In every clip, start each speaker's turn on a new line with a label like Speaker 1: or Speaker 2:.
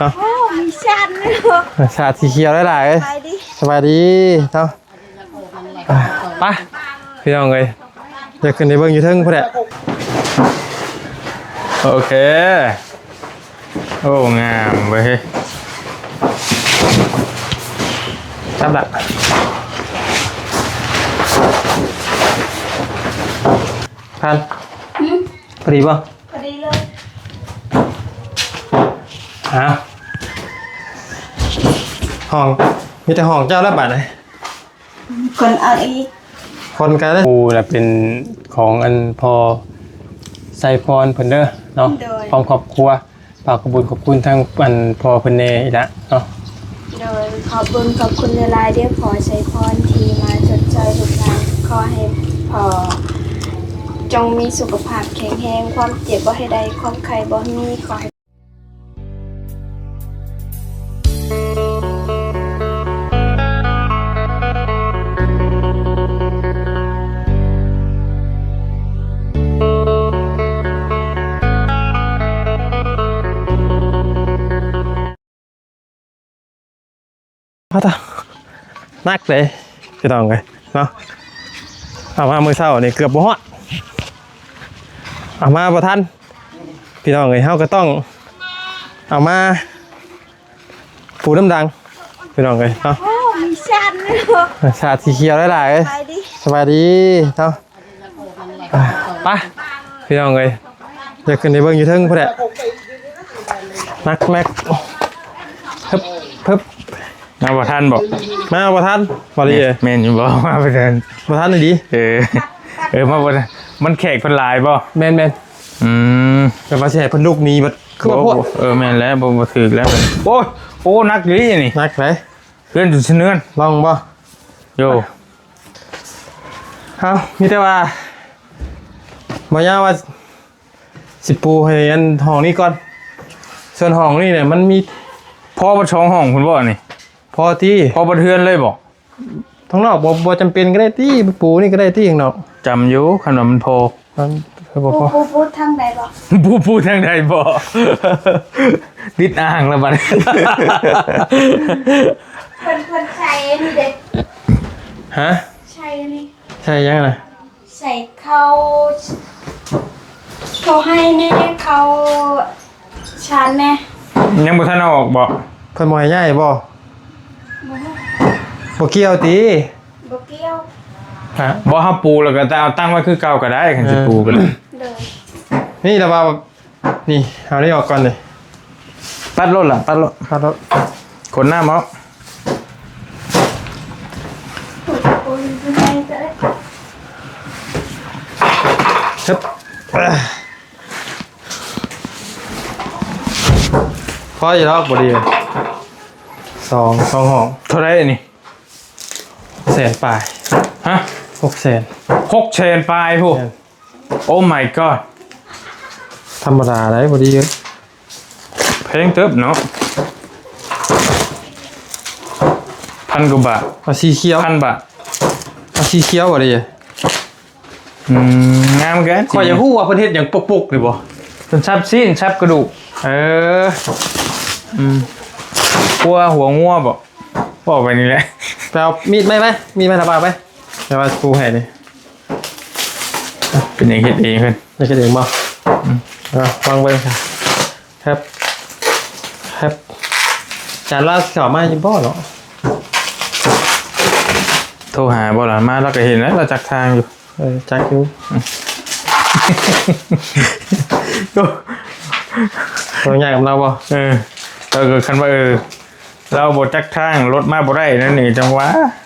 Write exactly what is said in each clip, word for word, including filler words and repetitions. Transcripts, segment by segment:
Speaker 1: เนาะ
Speaker 2: มีชันเลย
Speaker 1: ชาสีเขียวได้หลายเลยสบายดีเนาะไปพี่น้องเลยอยากขึ้นในเบิ้งอยู่เทิงพอดีโอเคโอ้งามเว้ยจับละพันพอดีป่ะ
Speaker 2: พอดีเลย
Speaker 1: อ้าวห้องมีแต่ห้องเจ้าแล้วบัดเลย
Speaker 2: คนเอาอีก
Speaker 1: คนกันเลยปูแหละเป็นของอันพอไซฟอนเพิ่นเด้อเนาะพร้อมครอบครัวฝากขอบคุณขอบคุณทั้งอันพอเพิ่นเนอีกแล้วเนาะ
Speaker 2: โดยขอบคุณขอบคุณเวลาเดียวขอใช้พรทีมาจดใจทุกงานขอให้พอจงมีสุขภาพแข็งแรงความเจ็บบ่ให้ใดความไข้บ่มีขอให้
Speaker 1: พอตานักเลยพี่น้องเลยเนาะเอามามือเศร้านี่เกือบบ่ฮอดเอามาบ่ทันพี่น้องเลยเฮาก็ต้องเอามาปูน้ำดังพี่น้องเลยเนาะ
Speaker 2: มีชันเลย
Speaker 1: ชาสีเขียวได้หลายเลยสบายดีเนาะไปพี่น้องเลยอยากขึ้นในเบิ้งอยู่เทิงพอดีนักแม็กเพิ่มเพิ่ม
Speaker 3: มาประทันบอก
Speaker 1: มาประทันบอดีเลย
Speaker 3: เมนอยู่บอกมาประทัน
Speaker 1: ประทันเลยดี
Speaker 3: เออเออมาประทันมันแขกพันลายบ่
Speaker 1: แมนแมน
Speaker 3: อืม
Speaker 1: แต่มาแช่พันลูกนี้มันคือว่าพวก
Speaker 3: เออแมนแล้วบ่มาถือแล้วโอ้โอ้นักอยู่นี่
Speaker 1: นักไหน
Speaker 3: เลื่อนจุดเนื้อ
Speaker 1: ลองบ่
Speaker 3: โย่
Speaker 1: เอามีแต่ว่ามาย่าว่าสิปูให้อันห้องนี้ก่อนส่วนห้องนี่เนี่ยมันมี
Speaker 3: พ่อมาช่องห้องคุณบ่นี่
Speaker 1: พอที่
Speaker 3: พ่อประเทือนเลยบอก
Speaker 1: ทั้งนอกบ่บ่จำเป็นก็ได้ที่ปูนี่ก็ได้ที่อย่างนอก
Speaker 3: จำอยู่ขนมมันโพ
Speaker 1: มัน
Speaker 2: ปูปูปูทางใดบ่
Speaker 3: ปูปูทางใดบ่ดิดอ่างแล้วบัด
Speaker 2: เพิ่นเพิ่นใส่นี่เด้
Speaker 1: ฮะ
Speaker 2: ใช่นี่
Speaker 1: ใช่ยังไง
Speaker 2: ใส่เขาเขาให้แน่เขาชานแน่
Speaker 3: ยังบ่ทันเอาออกบ่
Speaker 1: เพิ่นบ่ให้ย้ายบ่บ่เกี่ยวติ
Speaker 2: บ่เกี่ยว
Speaker 3: ฮะบ่เฮาปูแล้วก็เอาตั้งไว้คือเก่าก็ได้คันสิปูกันเลย
Speaker 1: นี่ละว่านี่เอาได้ออกก่อนเลย
Speaker 3: ตัดรถล่ะตัดรถ
Speaker 1: ตัดรถ
Speaker 3: คนหน้ามั้ง
Speaker 1: ครับพออยู่แล้วบ่ดีสองสองห้อง
Speaker 3: เท่าไรนี่
Speaker 1: แสนปลาย
Speaker 3: ฮะ
Speaker 1: หกแสน
Speaker 3: หกแสนปลายพวกโอ้ my god
Speaker 1: ธรรมดาได้บ่ดีเยอะ
Speaker 3: เพลงเติบเนาะพันกว่าบาท
Speaker 1: เอาสีเขียว
Speaker 3: พันบาท
Speaker 1: เอาสีเขียวบ่ดี
Speaker 3: อืมงามกัน
Speaker 1: ขออย่าฮู้ว่าประเทศอย่างปุกๆหรือบ่
Speaker 3: จนชับซีนชับกระดูก
Speaker 1: เออ
Speaker 3: อืมกลัวหัวงัวบ่บอกไปนี่แหละ
Speaker 1: ไปเอามีดไหมไหมมีดไหมระบาดไหมแต่ว่าปูแห่นี่
Speaker 3: เป็นอย่างเฮ็ดเองเพิ่น
Speaker 1: นี่ก็เองบ่อ่ะวางไว้ค่ะครับครับจานลาสาวมาอยู่บ่เนาะ
Speaker 3: โทรหาบ่ล่ะมาเราก็เห็นแล้วเราจักทางอยู่
Speaker 1: เออจักอยู่เราใหญ่กับเราบ่
Speaker 3: เออเราก็คันว่าเออเราบ่จักทางรถมาบ่ได้นั่นนี่จังหวะ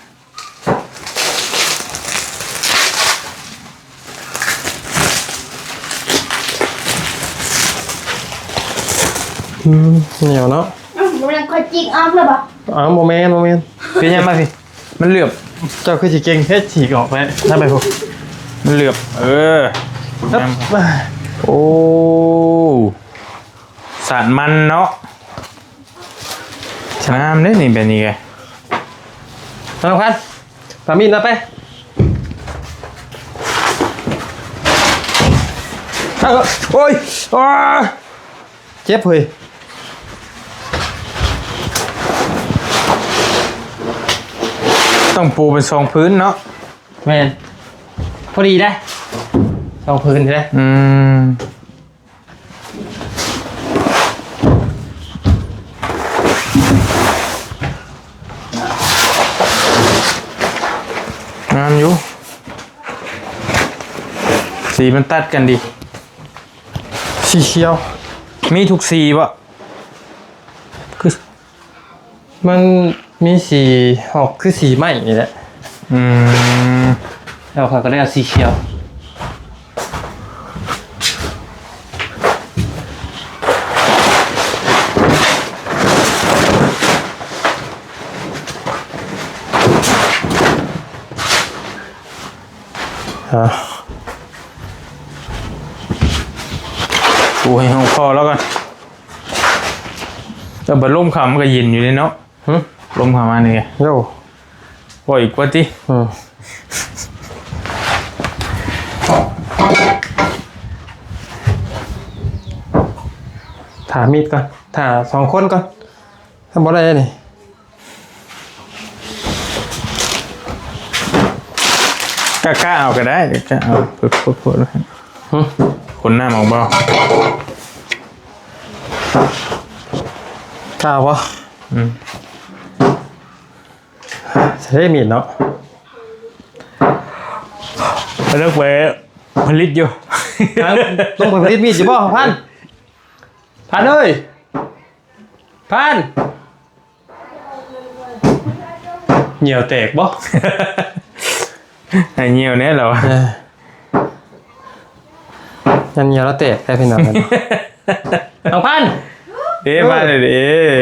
Speaker 1: อืมเหนียวเนาะ
Speaker 2: อ้าวมันค่อยจิกออกเลยบ่
Speaker 1: อ๋อโมเมนต์โมเมนต์
Speaker 3: เป็นยังไงพี่มันเหลือบ
Speaker 1: เจ้าคือสิเก่งเฮ็ดฉีกออกไปถ้าไปพวก
Speaker 3: มันเหลือบเออโอ้สารมันเนาะชามได้นี่แบบนี้ไง
Speaker 1: สำคัญปามีนนะไปโอ้ยเจ็บเฮ้ย
Speaker 3: ต้องปูเป็นทรงพื้นเนาะ
Speaker 1: แม่นพอดีได้สองพื้นได้
Speaker 3: อืมงามอยู่สีมันตัดกันดี
Speaker 1: สีเขียว
Speaker 3: มีทุกสีปะ
Speaker 1: คือมันมีสีออกคือสีไหม้นี่แหละ
Speaker 3: อืม
Speaker 1: แล้วเขาก็ได้เอาสีเขียว อ่า
Speaker 3: ปูให้ห้องคอแล้วกันแต่บัดลมขำก็เย็นอยู่เลยเนาะ
Speaker 1: หึ
Speaker 3: ลมขำมาเนี่ย
Speaker 1: โย่
Speaker 3: ปล่อยอีกว่าที่
Speaker 1: อืมถามีดก่อนถาสองคนก่อนทำอะไรนี่
Speaker 3: กล้ากล้าเอาก็ได้กล้าเอาเพื่อเพื่อเพื่อ
Speaker 1: หึ
Speaker 3: คนหน้ามองเบาก
Speaker 1: ล้าวะ
Speaker 3: อืม
Speaker 1: ใช้มีดเนาะ
Speaker 3: เลิกไปผลิตอยู่
Speaker 1: ครับต้องไปผลิตมีดอยู่บ่พันพันเอ้ยพันเหนียวแตกบ่
Speaker 3: ไอ้เงี้ยวเนี่ยเหรอ
Speaker 1: เออยันเหนียวแล้วแตกได้พี่น้องกันเอาพัน
Speaker 3: เอ๊ะมาเลยเอ๊ะ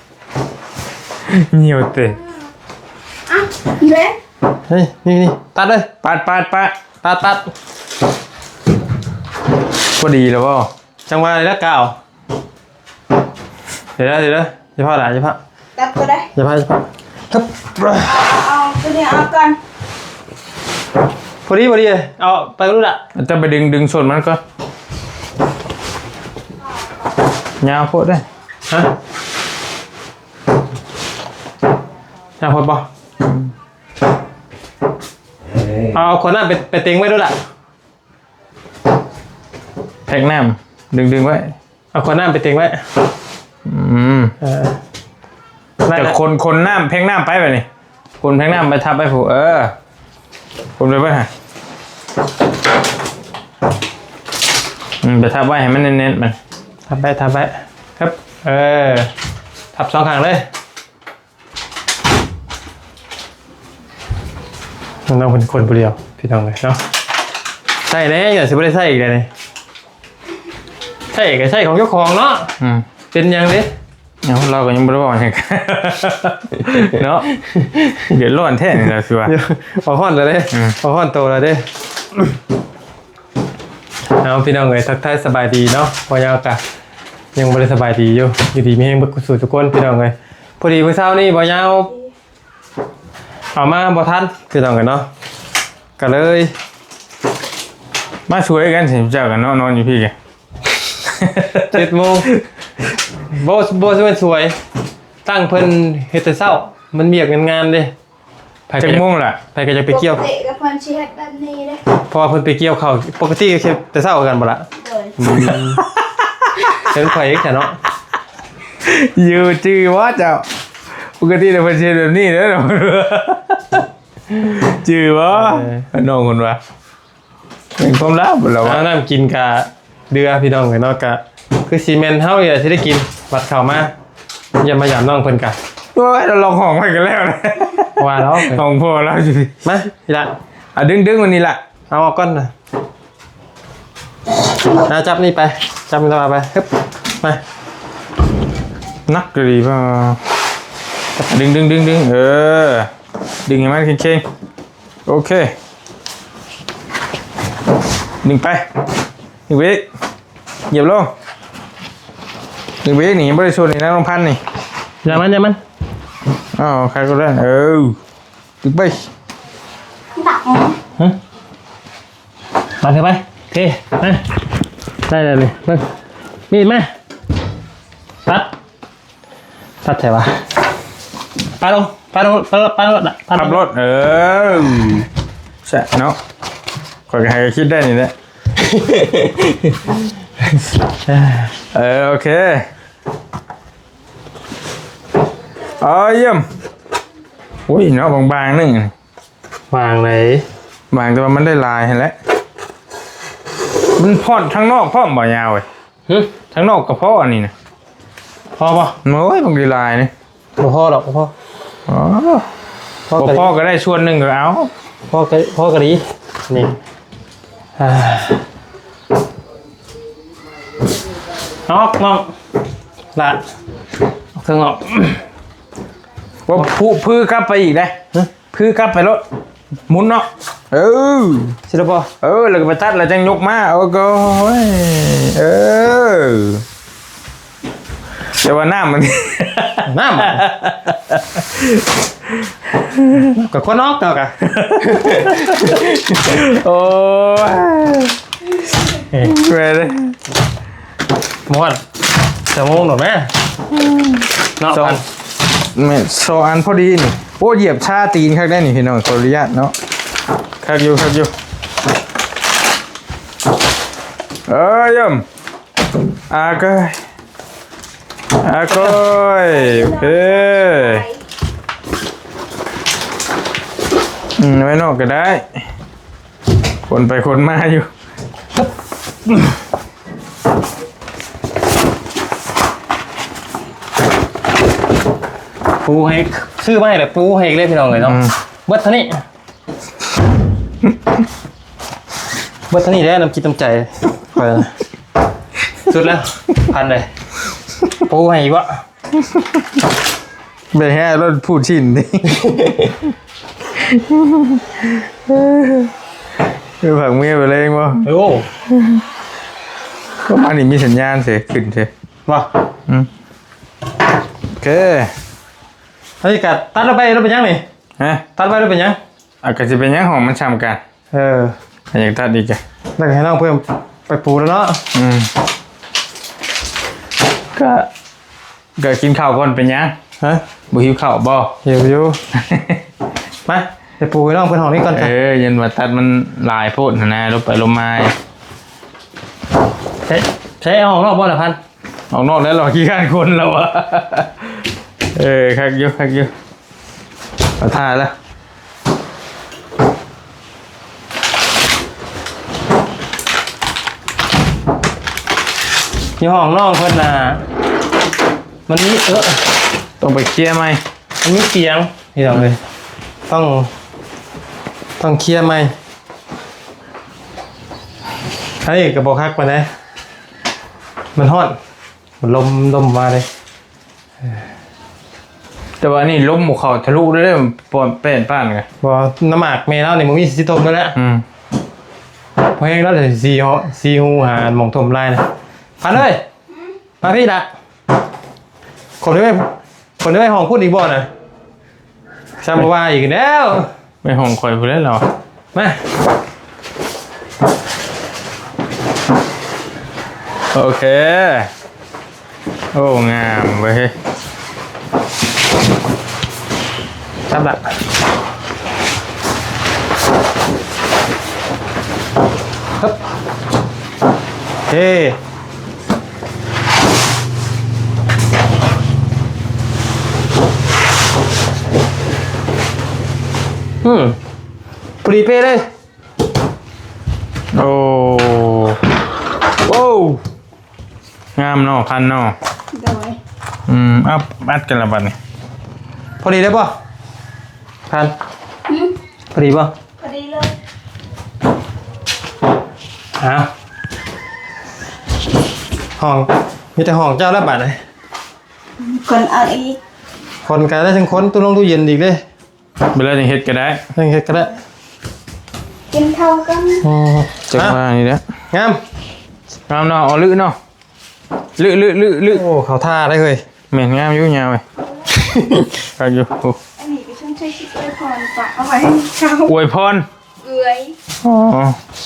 Speaker 3: เงี้ยวเตะ
Speaker 2: อ่ะอีเวน
Speaker 1: เฮ้ยนี่นี่ตัดเลย
Speaker 3: ปาดปาดปาด
Speaker 1: ตัดตัด
Speaker 3: พอดีแล้วป่ะ
Speaker 1: จังหวะอะไรแล้วกาวเดี๋ยวนะเดี๋ยวนะอย่าพลาดอย่าพลาด
Speaker 2: ตัดก็ได้
Speaker 1: อย่าพลาดอย่าพลาดครับ
Speaker 2: เอาตัวนี้เอากัน
Speaker 1: พอดีพอดีเลยเอาไปรู้ละ
Speaker 3: จะไปดึงดึงส่วนมันก็ยาวโคตรได้
Speaker 1: ฮะน่าพอปะเอาคนนั้นไปไปเต็งไว้ด้วยล่ะ
Speaker 3: แพ็กน้ำดึงดึงไว้
Speaker 1: เอาคนนั้นไปเต็งไว้
Speaker 3: อืม
Speaker 1: เออ
Speaker 3: แต่คนคนน้ำแพ็กน้ำไปไปนี่คนแพ็กน้ำไปทับไปผูเออคนไปไปฮะอืมไปทับไว้ให้มันเน้นๆมัน
Speaker 1: ทับไปทับไปครับ เออทับสองข้างเลยน้องเป็นคนผู้เดียวพี่น้องเลยเนาะใช่แน่อย่าสิไม่ได้ใช่อีกเลยนี่ใช่ก็ใช่ของเจ้าของเนาะ
Speaker 3: อืม
Speaker 1: เป็นยังดิ
Speaker 3: เอาเราก็ยังไม่รู้ว่าไงกัน เนาะเดี๋ยวร้อนแท้นี่แหละสิวะ
Speaker 1: เดี๋ยวเอาห้อนเลยเด้
Speaker 3: อืม
Speaker 1: เอาห้อนโตเลยเด้เอาพี่น้องเลยทักทายสบายดีเนาะพอยาวกะยังไม่ได้สบายดีอยู่อยู่ดีมีให้เบิกสู่ทุกคนพี่น้องเลยพอดีเมื่อเช้านี่พอยาวเอามาบ่ทันพี่น้องกันเนาะก็เลย
Speaker 3: มาช่วยกันสิเจ้ากันเนาะนอนอยู่พี่แก
Speaker 1: เจ็ดโมงโบโบสวยสวยตั้งเพิ่นเฮ็ดแต่เช้ามันเมียกงานๆเด้ไป
Speaker 3: จั
Speaker 1: ก็
Speaker 3: ง
Speaker 1: จะ
Speaker 3: ม่วงล่ะ
Speaker 1: ไปก็จะไปเกี่ยว
Speaker 2: ปกติกับเพื่อนชีวิตแบบนี้เลย
Speaker 1: เพราะว่าเพิ่นไปเกี่ยวข้าวปกติก็แค่แต่เช้ากันบ่ล่ะ
Speaker 2: เลย
Speaker 1: เพิ่นข่อยเองจ้ะเนาะ
Speaker 3: อยู่จื้อว่าเจ้าปกติเราเป็นเช่นแบบนี้เด้อเนาะ จื้อว่าน้องคนว่าเป็นความลับเหรอวะ
Speaker 1: เอาน้ำกินกะเดือพี่น้องเนาะกะคือซีเมนต์เฮาอย่าสิได้กินบัดเข้ามาอย่ามายามน้องเพิ่นกะ
Speaker 3: โอ้ยเราลองห้องไปกันแล้วนะ
Speaker 1: ว่าแล้ว
Speaker 3: ห้องพ่อเราอยู่ดิ
Speaker 1: มาพี่ละ
Speaker 3: อ่ะดึงดึงวันนี้ล่ะ
Speaker 1: เอาออกก่อนนะเอาจับนี่ไปจับมันมาไปฮึบมา
Speaker 3: นักก็ดีป่ะดึงดึงดึงดึงเออดึงให้มันเข่งๆโอเคดึงไปดึงไปอีกเหยียบลงดึงไปอีกนี่บริสุทธิ์นี่นะน้องพันธุ์นี่
Speaker 1: อย่ามันอย่ามัน
Speaker 3: อ้าวใครก็ได้เออดึงไป
Speaker 2: ตัก
Speaker 1: ฮะมาเถอะไปโอเคมาได้เลยเลยเบิ่งมีดมาตัดตัดใช่ปะปาลงปารถปารถปารถ
Speaker 3: ขับรถเออใช่เนาะคอยใครก็คิดได้นี่แหละเออโอเคอ๋อเยี่ยมอุ้ยเนาะบางๆนึง
Speaker 1: วางไหน
Speaker 3: บางแต่ว่ามันได้ลายเห็นแล้วมันพอดทั้งนอกพ่อมบ่ยาวเว้ย
Speaker 1: ฮึ
Speaker 3: ทั้งนอกกับพ่ออันนี้นะ
Speaker 1: พอป่ะ
Speaker 3: โอ้ยบางทีลายนี่
Speaker 1: บ่พอหรอกบ่พอ
Speaker 3: อ๋อ
Speaker 1: พ่อ
Speaker 3: บ่
Speaker 1: ก็
Speaker 3: พ่อก็ได้ส่วนหนึ่งก็เอา
Speaker 1: พ่อก็พ่อก็ดีนี่อ่าออกน้องละออกข้างนอก
Speaker 3: ว่าผู้พื้อกลับไปอีกได้พื้อกลับไปรถหมุนเนาะเออ
Speaker 1: สิละบ่
Speaker 3: เออแล้วก็ไปตัดแล้วจังยกมาโอ้โหเออแต่ว่าหน้ามัน
Speaker 1: น้ำอะกับคนนอกเนาะกะ
Speaker 3: โอ้ยเว้ยเลย
Speaker 1: หมดจะโมงหน่อยแม่เนาะ
Speaker 3: สอง
Speaker 1: พัน
Speaker 3: แม่สองอันพอดีนี่โอ้เหยียบชาตีนข้างได้นี่พี่น้องขออนุญาตเนาะข้างอยู่ข้างอยู่เอ้ยยมอาเกยอาเกยโอเคอืมไว้นอกก็ได้คนไปคนมาอยู่
Speaker 1: ปูให้ซื้อมาให้เลยปูให้เลยพี่น้องเลยเนาะ
Speaker 3: อืม
Speaker 1: เบิดเท่านี้เบิดเท่านี้ได้น้ำจิตน้ำใจไปนะสุดแล้วพันเลยปูให้อีกวะ
Speaker 3: ไปแห่รถพูดชินดิคือผักเมียไปเลยมั้ง
Speaker 1: โอ้
Speaker 3: ก็อันนี้มีสัญญาณเสียขึ้นเสีย
Speaker 1: ว่ะ
Speaker 3: อืมโอเค
Speaker 1: เฮ้ยกัดตัดเราไปเราเป็นยังนี่
Speaker 3: ฮะ
Speaker 1: ตัดไปเราเป็นยัง
Speaker 3: อากาศจะเป็นยังของมันช้ำกัน
Speaker 1: เออ
Speaker 3: อยากตัดอีกอะ
Speaker 1: แล้วก็ให้น้องเพิ่มไปปูแล้วเนาะ
Speaker 3: อืมก็ก็กินข้าวก่อนเป็นยัง
Speaker 1: ฮะ
Speaker 3: บุหิวข้าวบ่
Speaker 1: หิวอยู่ไปไปปูให้น้องเพิ่นห้องนี้ก่อน
Speaker 3: เอ
Speaker 1: จ้ะ
Speaker 3: อยันว่าตัดมันหลายโพดนะนะลบไปลบมา
Speaker 1: ใช้ใช้เอาห้องนอกบ่ละพัน
Speaker 3: ออกนอกแล้วหรอขี้ข้านคนแล้วอะเออคักอยุคักอยุเอาท่าแล้ว
Speaker 1: อยู่ห้องน้องเพิ่นน่ะมันมีเออ
Speaker 3: ต้องไปเคลียร์ไหม
Speaker 1: มันมีเสียงพี่น้องเลยต้องต้องเคลียร์ไหมเฮ้ยกระบอกคักมานะมันฮอดมันลมลมมาเลย
Speaker 3: แต่ว่านี่ล้มหมูเขาทะลุได้เลยปอนเป็นป้านไง
Speaker 1: บอกน้ำหมากเมย์แล้วนี่มึงมีสิทมไปแล้ว
Speaker 3: อืม
Speaker 1: เพราะงั้นเราจะซีฮอซีฮูหาหมองถมไล่นะพันเลยมาพี่ละคนที่ไม่คนที่ไม่ห้องพูดอีกบ่อนะซาบว่าอีกแล้ว
Speaker 3: ไม่ห้องคอยผู้เล่นหรอ
Speaker 1: มา
Speaker 3: โอเคโอ้งามเว้ย
Speaker 1: ซับละฮึบเฮ้อืมปรีเป้เลย
Speaker 3: โอ้โว้วงามเนาะพันเนาะ
Speaker 2: โดย
Speaker 3: อืมอัพอัดกันละบัดนี่
Speaker 1: พอดีได้ป่ะพันพอดีป่ะ
Speaker 2: พอดีเลย
Speaker 1: อ้าวห้องมีแต่ห้องเจ้าละบาทเลย
Speaker 2: คนเอาอีก
Speaker 1: คนกันได้ทั้งคนตู้ลงตู้เย็นอีกเลย
Speaker 3: เวลาจะเฮ็ดก็ได้
Speaker 1: ทั้งเฮ็ดก็ได้
Speaker 2: กินข้าวกัน
Speaker 1: อืม
Speaker 3: จังว่านี่แหละ
Speaker 1: งาม
Speaker 3: งามเนาะเอาลึเนาะลึลึลึลึ
Speaker 1: โอ้เขาท่าได้เลย
Speaker 3: แม่นงามอยู่ยาวเว้ยคักอยู่โอ้
Speaker 2: อันนี้ก็ช่างใช้ชิคเลยพรฝากเอาไว้ให้เขา
Speaker 3: อวยพร
Speaker 2: เอื้อย
Speaker 3: อ๋อ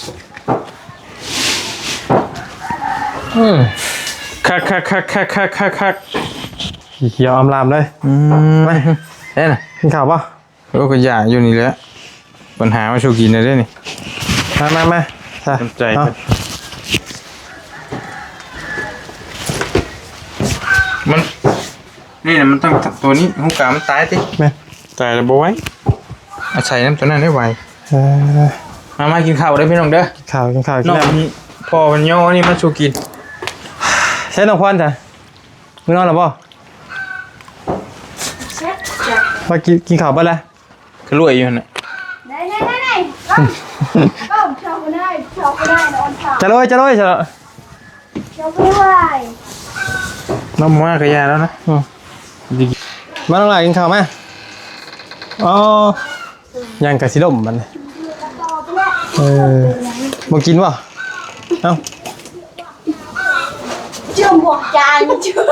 Speaker 1: อืม
Speaker 3: คักคักคักคักคักคักคัก
Speaker 1: เขียวอำลามเลย
Speaker 3: อืม
Speaker 1: ไป
Speaker 3: เด้น่ะ
Speaker 1: กินข้าวป่ะ
Speaker 3: โอ้ก็อยากอยู่นี่แหละปัญหามาชูกินได้นี่
Speaker 1: มามามาใช่
Speaker 3: สนใจ
Speaker 1: เอา
Speaker 3: มันนี่นะมันต้องตัวนี้หูกามันตายสิ
Speaker 1: แม่
Speaker 3: ตายแล้วบ่ไว้อาศัยน้ำตัวนั้นได้ไว
Speaker 1: เออ
Speaker 3: มามากินข้าวได้พี่น้องเด้อ
Speaker 1: กินข้าวกินข้าวกิน
Speaker 3: น้อง
Speaker 1: น้ำ
Speaker 3: นี่พ่อมันย่อนี่มาชูกิน
Speaker 1: ใช่น้องควันจ้ะมึงนอนหรือเปล่า
Speaker 2: เช็ดจ้ะ
Speaker 1: ว่ากินกินข้าวไปแล้ว
Speaker 3: คือรวยอยู่น่ะ
Speaker 2: ไหนไหนไหนไหนก็ชอบก็ได้ชอบก็ได้นอนผ่า
Speaker 1: จะเลยจะเลยจะ
Speaker 2: ชอบไม่ไหว
Speaker 3: น้ำมากระยาแล้วนะ
Speaker 1: อืม
Speaker 3: ดี
Speaker 1: มาน้องหลายกินข้าวไหมอ๋อยังกะสิลมมันเออบ่กินวะเอ้า
Speaker 2: จุ่มบวกจานจุ่ม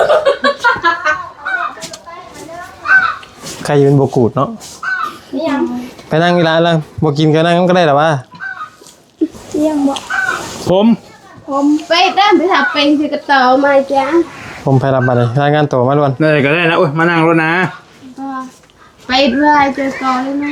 Speaker 1: ใครจะเป็นบกูดเนาะ
Speaker 2: นี่ยัง
Speaker 1: ไปนั่งที่ร้านแล้วบ่กินก็นั่งก็ได้หรอวะ
Speaker 2: ยังบอก
Speaker 3: ผม
Speaker 2: ผมไปได้ไปทำเป็นคือกระต่อมาจ้ะ
Speaker 1: ผมไปรับบัตรเลยรายงานตัวมาด่วน
Speaker 3: ได้ก็ได้นะโอ้ยมานั่งรถนะ
Speaker 2: ไปด้วยเจอต่อเลยนะ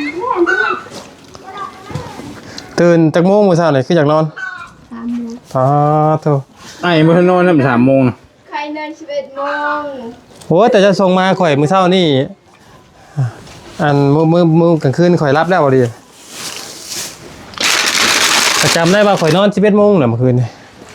Speaker 1: ตื่นจากโมงมื้อเช้านี่คืออยากนอน
Speaker 2: สามโมง
Speaker 1: อ๋อโธ่
Speaker 3: ไอ้มื่อนอนนั่นสามโมงนะ
Speaker 2: ใครเดินสิบเอ็ดโมง
Speaker 1: โอ้แต่จะส่งมาข่อยมื้อเช้านี่อันมื้อมื้อมื้อกลางคืนข่อยรับแล้วบ่ดีประจำได้ว่าข่อยนอนสิบเอ็ดโมงน่ะเมื่อคืนนี่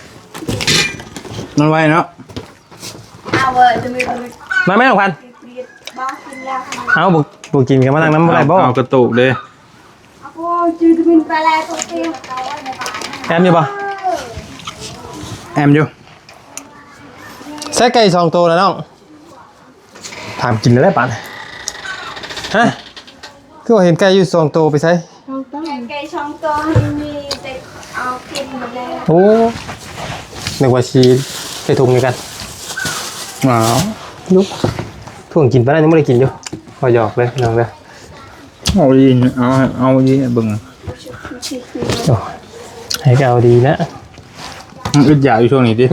Speaker 3: มันไวเนาะ
Speaker 2: เอาเว้ยจะมีคน
Speaker 1: มาแม่ของพัน
Speaker 2: เปลี่ยนบ้ากินแล้ว
Speaker 1: เอาบุกบุกกินกันมานั่งน้ำอะไรบ่
Speaker 3: เอากระตุกเลย
Speaker 2: เอาพวกจืดเป็นปลาแรกตัวเตี้ยเอาไว้ในบ้าน
Speaker 1: แอมอยู่บ่
Speaker 3: แอมอยู่
Speaker 1: ใส่ไก่สองตัวแล้วน้องถามกินได้ปานฮะคือว่าเห็นไก่อยู่สองตัวไปใส่
Speaker 2: ไก่ช่องตัวมีเด็กเอากินหมดแล้ว
Speaker 1: โอ้นึกว่าชีใส่ถุงนี่กัน
Speaker 3: ว้าว
Speaker 1: ยุบถุงกินไปแล้วยังไม่ได้กินอยู่พอหยอกเลยน้องเลย
Speaker 3: เอาดีเอาเอาดีเบิ่ง
Speaker 1: โอ้ให้ก็เอาดีนะ
Speaker 3: อึดอยากอยู่ช่วงนี้ดิ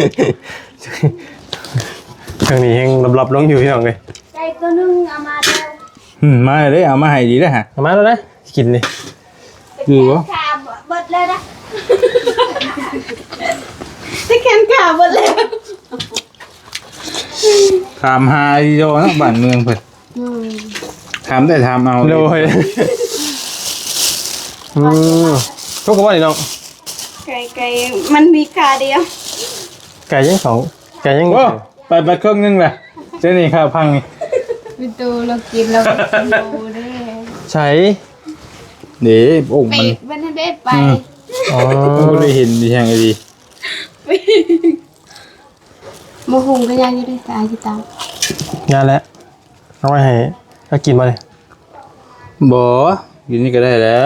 Speaker 1: ทางนี้ยังหลับๆลงอยู่พี่น้องเลย
Speaker 2: ไก่ตัวนึงเอามาแล้ว
Speaker 3: อืมมาเลยเอามาให้ดีแล้วฮะ
Speaker 1: เอามาแล้วนะกินเลย
Speaker 3: คือวะ
Speaker 2: ขาบดเลยนะจะแขนขาบดเลย
Speaker 3: ถามหาดีโดนะบ้านเมืองเพิ่นถามได้ถามเอา
Speaker 1: โดยอืมทุกคนว่านี่น้อง
Speaker 2: ไก่ไก่มันมีขาเดียว
Speaker 1: ไก่ยังสองไก่ยัง
Speaker 3: โอ้ไปไปเครื่องนึงแหละเจ้านี่ครับพังนี่
Speaker 2: ไปดูเรากินเรากินเราได้
Speaker 1: ใช้
Speaker 3: เดี๋ยวโอ่ง
Speaker 2: ไป
Speaker 3: มัน
Speaker 2: มันได้ไป
Speaker 1: อ๋อ
Speaker 3: ก็เลยเห็นดีแห่งไอ้ดี
Speaker 2: โมหุงก็ยังอยู่ได้สายจิตาม
Speaker 1: งานแล้วเอาไว้ให้ก็กินมาเลย
Speaker 3: บ่กินนี่ก็ได้แล้ว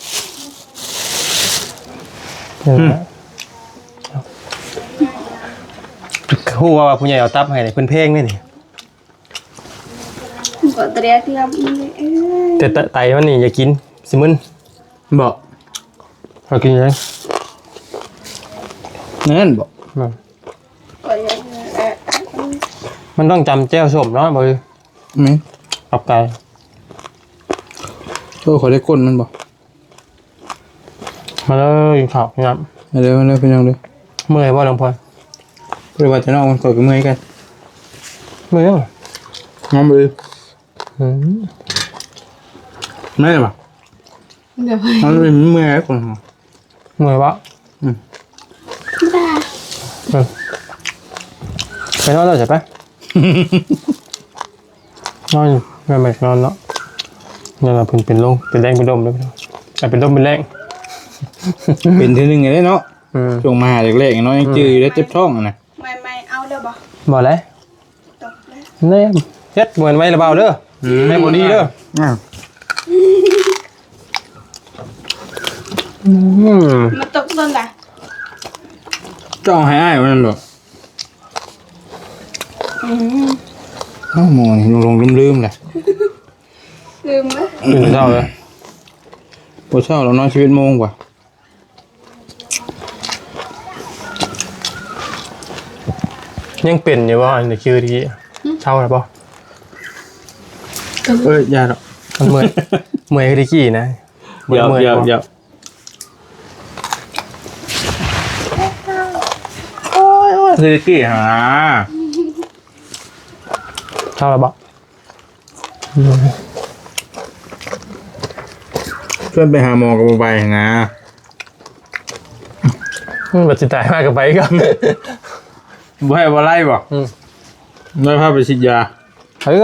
Speaker 1: คู่ว่าผู้ใหญ่เอาตับให้เนี่ยเพิ่นเพลงนี่นี่
Speaker 2: ก็เตรียมที่เราเอ้ย
Speaker 1: แต่ไตมันนี่อย่ากินสิมึน
Speaker 3: บ่
Speaker 1: เรากินยัง
Speaker 3: นั่นบ่
Speaker 2: ก็ยังเอ่อ
Speaker 1: มันต้องจำแจ้วส้มเนาะบ่คือ
Speaker 3: แม่น
Speaker 1: กับไก่
Speaker 3: โอ้ขอได้ก้นมันบ่
Speaker 1: มาเลยกินข้าวครับ
Speaker 3: มาเร็วมาเร็วพี่น้องเด้อ
Speaker 1: เมื่อยบ่หลวงพ่อ
Speaker 3: เพื่อว่าจะนอกมันก่อนก็เมื่อยกัน
Speaker 1: เมื่อยบ่
Speaker 3: งอมเลย
Speaker 1: อืม
Speaker 3: ไม่ได้ป่ะ
Speaker 2: เดี๋ยว
Speaker 3: มันเป็นเมื่อยคน
Speaker 1: เมื่อยบ่
Speaker 2: ได้
Speaker 1: อืมไปนอนแล้วใช่ปะ นอนแม่แม่นอนเนาะนี่นล่ะเพิ่นเป็นลงเป็นแรงเป็นลมเลยพี่น้องอ่ะเป็นลมเป็นแรง
Speaker 3: เป็นทีนึงไงได้เนาะ
Speaker 1: อืม
Speaker 3: ช่วงมาเล็กๆเนาะยังจืดอยู่แล้วเจ็บท้องอ่ะนะ
Speaker 2: ไม่ไม่เอาเด้อบ่
Speaker 1: บ่เลย
Speaker 2: ตกเลย
Speaker 1: แน่เฮ็ดเหมือนไว้ระเบาเด้อไม่บ่ดีเด้อ
Speaker 3: อ้าว
Speaker 1: อืม
Speaker 2: มันตกต้นละ
Speaker 3: จ้องให้อ้ายมันบ่
Speaker 2: อืม
Speaker 3: เอ้าหมอนี่ลงๆลืมๆแหละ
Speaker 2: ลืมไหม
Speaker 1: ตื่นเช้าเลย
Speaker 3: บ่เช้าเรานอนชีวิตโมงกว่า
Speaker 1: ยังเป็นอยู่บ่อันนี้คือที่เช้าแล้วบ่
Speaker 3: เอ้ยอย่าหรอก
Speaker 1: มันเมื่อยเมื่อยคือกี้นะ
Speaker 3: เดี๋ยว
Speaker 1: มื่อ
Speaker 3: เดี๋ยวเดี๋ยวโอ้ยโอ้ยคือกี่หา
Speaker 1: เท่าไหร่บ่
Speaker 3: เพื่อนไปหาหมอกับไปนะ
Speaker 1: มันบัดสิตายมากกับไปก็
Speaker 3: บ่ให้บ่ไล่บ่
Speaker 1: อืม
Speaker 3: ไม่พาไปฉีดยา
Speaker 1: เฮ้ยเอา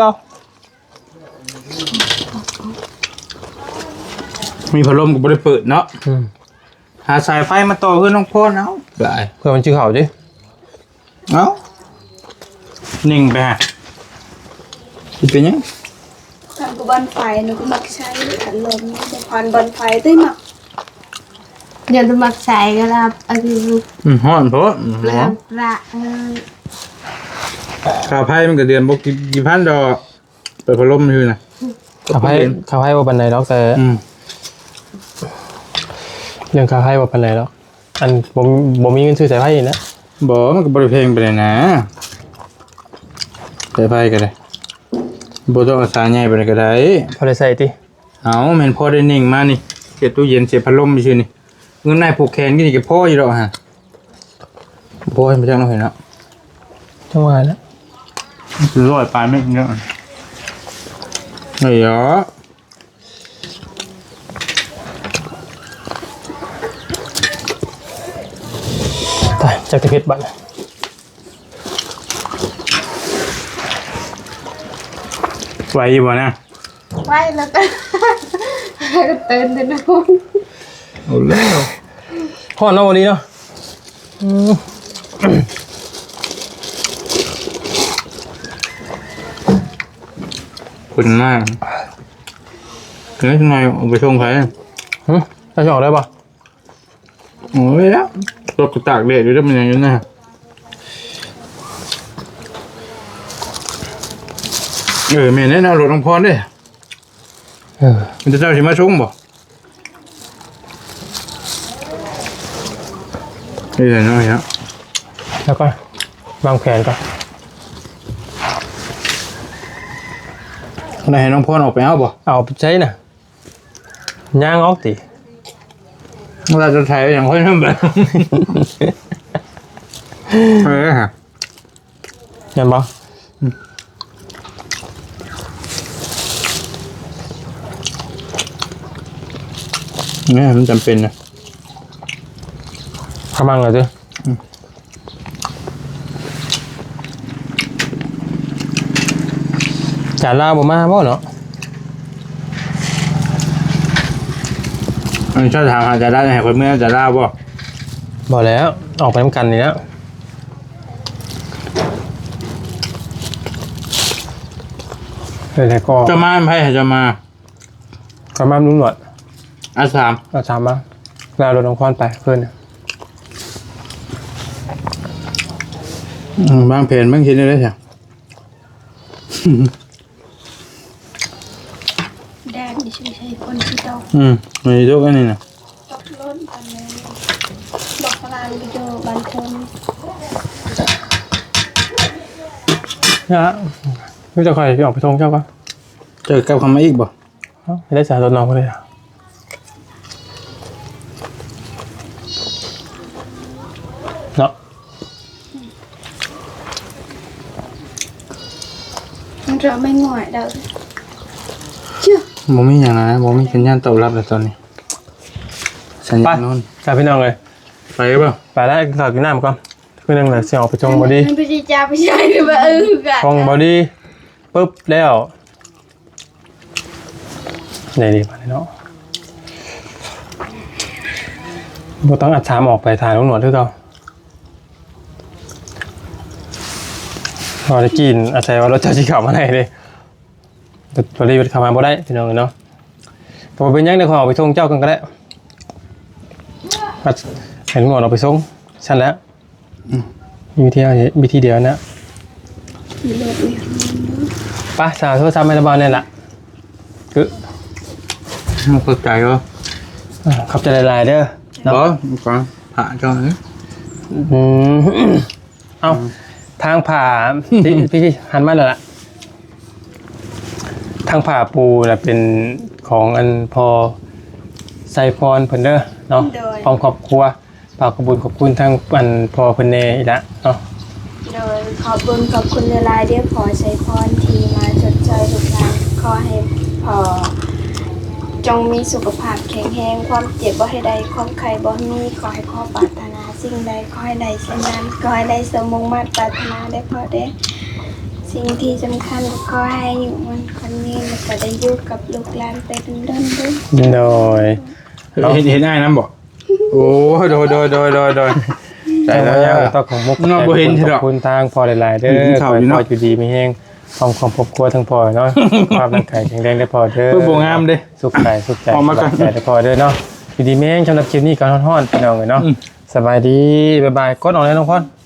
Speaker 3: มีพัดลมก็บ่ได้เปิดเนาะ
Speaker 1: อืม
Speaker 3: หาสายไฟมาต่อเพื่อนน้องพ่อเนาะได้
Speaker 1: เพื่อมันชื่อเขาดิ
Speaker 3: เอ้านิ่งไปฮะคิดเป็นยัง
Speaker 2: ทำกับบอลไฟหนูก็มักใช้ขันลมแต่พอนบอลไฟได้หมักเดี๋ยวจะมักใช้ก็แล้วอันนี้ลูก
Speaker 3: อืมฮ้อนโพดอืม
Speaker 2: ปลา
Speaker 3: ฮ้อน
Speaker 2: ปลาเออ
Speaker 3: ค่าไฟมันก็เดือนบ่กี่กี่พันดอกเปิดพัดลมอยู่น่ะ
Speaker 1: ขับให้ขับให้ว่าปันไหนดอกแต่
Speaker 3: อืม
Speaker 1: เรื่องขับให้ว่าปันไหนดอกอันผมผมมีเงินซื้อสายไฟอีกนะ
Speaker 3: บ่มันก็บ่ได้แพงไปเลยนะสายไฟก็ได้บ่ต้องเอาสายใหญ่ไปเลยก็ได้
Speaker 1: พอได้ใส่ติ
Speaker 3: เอาแม่นพอได้นิ่งมานี่เสียบตู้เย็นเสียบพัดลมไปซื่อนี่เงินนายผูกแขนกี่นี่ก็พออยู่ดอกฮะพอให้มาจังเนาะเห็นเนาะ
Speaker 1: จังหวะนะ
Speaker 3: คือร้อยปลายไม่เยอะเฮ้ยอ๋อ
Speaker 1: ตายจากตะเพ็ดบัตร
Speaker 3: ไหวอยู่บ่นะ
Speaker 2: ไว้แล้วก็ก็เตือนเลยนะคุณ
Speaker 3: เอาแล้ว
Speaker 1: พ่อน้องวันนี้เนาะอืม
Speaker 3: คุณมากเฮ้ยทำไมเอาไปชงใคร
Speaker 1: หึจะจะออกได้ปะ
Speaker 3: โอ้ยแล้วรถกูตากแดดอยู่แล้วมันยังอยู่นะเออแม่เนี่ยนะรถน้องพรด้วย
Speaker 1: เออ
Speaker 3: มันจะเจ้าสิมาชงบ่นี่แหละน้อยครับ
Speaker 1: แล้วก็วางแผนก่อน
Speaker 3: คนไหนให้น้องพรออกไปเอาบ่
Speaker 1: เอาไปใช้น่ะย่างออกติ
Speaker 3: เราจะใช้อย่างค่อยทำแบบเออฮะ
Speaker 1: เห็นปะ
Speaker 3: เนี่ยมันจำเป็นนะ
Speaker 1: ขมังเลยจ้ะจานลาวบ่มาบ่เนาะ
Speaker 3: อันนี้ชอบถามหาจะได้ให้คนเมื่อจะได้บ่
Speaker 1: บ่แล้วออกไปน้ำกันนี่แล้วเลยแต่ก็
Speaker 3: จะมาไพ่จะมา
Speaker 1: ก็มาลุ้นหนวด
Speaker 3: อาสาม
Speaker 1: เอาชามมาแล้วรถน้องคอนไปเพื่อน
Speaker 3: อืมบางเพนบางคิดได้เลยใช่
Speaker 2: แดดนี่ช่วยใช้คนที่ตก
Speaker 3: อืมมีทุกอันนี้นะ
Speaker 2: ตกล้นกันเลยบอกพลางวิดีโอบันเทิง
Speaker 1: นะพี่จะคอยพี่ออกไปทงเจ้าก็
Speaker 3: เจอกับคำมาอีกบ่
Speaker 1: ไม่ได้จ่ายรถน้องก็เลยอะเนาะ
Speaker 2: มันเราไม่ง่อยเด้อเชื่อ
Speaker 3: บ่มีอย่างนั้นนะบ่มีสัญญาณตอบรับเลยตอนนี้สัญ
Speaker 1: ไป
Speaker 3: ญาณโน่น
Speaker 1: กลับพี่น้องเลย
Speaker 3: ไปเปล่า
Speaker 1: ไปได้ถอดกินน้ำก่อนเพื่อนงเลยเสียงออกไปชงบอดี้
Speaker 2: มันไปจีจ้าไปใช้หรือว่าเออกัน
Speaker 1: ชงบอดี้ปุ๊บแล้วไหนดีมาเลยเนาะเราต้องอัดชามออกไปถ่ายน้องหนวดด้วยเราพอได้กินอาศัยว่ารถเจ้าชีขาวมาไหนเลยแต่พอดีขับมาบ่ได้พี่น้องเนาะพอเป็นยังได้ขอออกไปชงเจ้ากันก็ได้อัดเห็นหนวดออกไปชงชั้นแล้วมีวิธีเอาวิธีเดียวนะ
Speaker 2: มีรถเนี่ย
Speaker 1: ไปสาวโทรศัพท์ไม่ระบายนี่แหละคือ
Speaker 3: มันเข้าใจวะ
Speaker 1: อ่าขอบใจหลายๆเด้อเนาะ
Speaker 3: บ่ก่อนผ่าจอเลย
Speaker 1: อืมเอาทางผ่าพี่พี่พี่หันมาเลยล่ะทางผ้าปูน่ะเป็นของอันพอไซพรเพิ่นเด้อเนาะพร้อมครอบครัวฝากขอบคุญขอบคุณทางอันพอเพิ่นแน่อีกละเนาะ
Speaker 2: โดยขอบคุณขอบคุณหลายๆเด้อขอใช้พรที่มาจดจอยลูกหลานขอให้พอจงมีสุขภาพแข็งแรงความเจ็บบ่ให้ใดความไข้บ่มีขอให้พ่อปรารถนาสิ่งใดขอให้ได้เช่นนั้นขอให้ได้สมมุ่งมั่นปรารถนาได้พอได้สิ่งที่สำคัญก็ขอให้อยู่มันคนนี้แล้วก็ได้อยู่กับลูกหลานไปดนๆด้วย
Speaker 1: โดย
Speaker 3: เห็นเห็นได้น้ำบ่โอ้โดยโดยโดยโดยโดย
Speaker 1: แต่ว่ายังต้องของมุก
Speaker 3: น้องบ่เห็น
Speaker 1: ข
Speaker 3: หร
Speaker 1: อ
Speaker 3: อก
Speaker 1: บคุณทางพอหลายๆเด้อ
Speaker 3: เห็น
Speaker 1: ข
Speaker 3: ข่า
Speaker 1: อ
Speaker 3: ว
Speaker 1: ให้
Speaker 3: อยู่
Speaker 1: พ
Speaker 3: เนาะ
Speaker 1: ออยู่ดีมีแฮงความความครอบครัวทั้งพอเนาะ ความร่างกายแข็งแรงได้พอเด้อ
Speaker 3: เพื่อบ่งามเด้
Speaker 1: สุขกายสุขใจ
Speaker 3: ออกมาก่อน
Speaker 1: สบายใจได้พอเด้อเนาะอยู่ดีมีแฮงสำหรับคลิปนี้ก็ฮ้อนๆพี่น้องเอ้ยเนาะสบายดีบ๊ายบายกดออกเลยน้องพร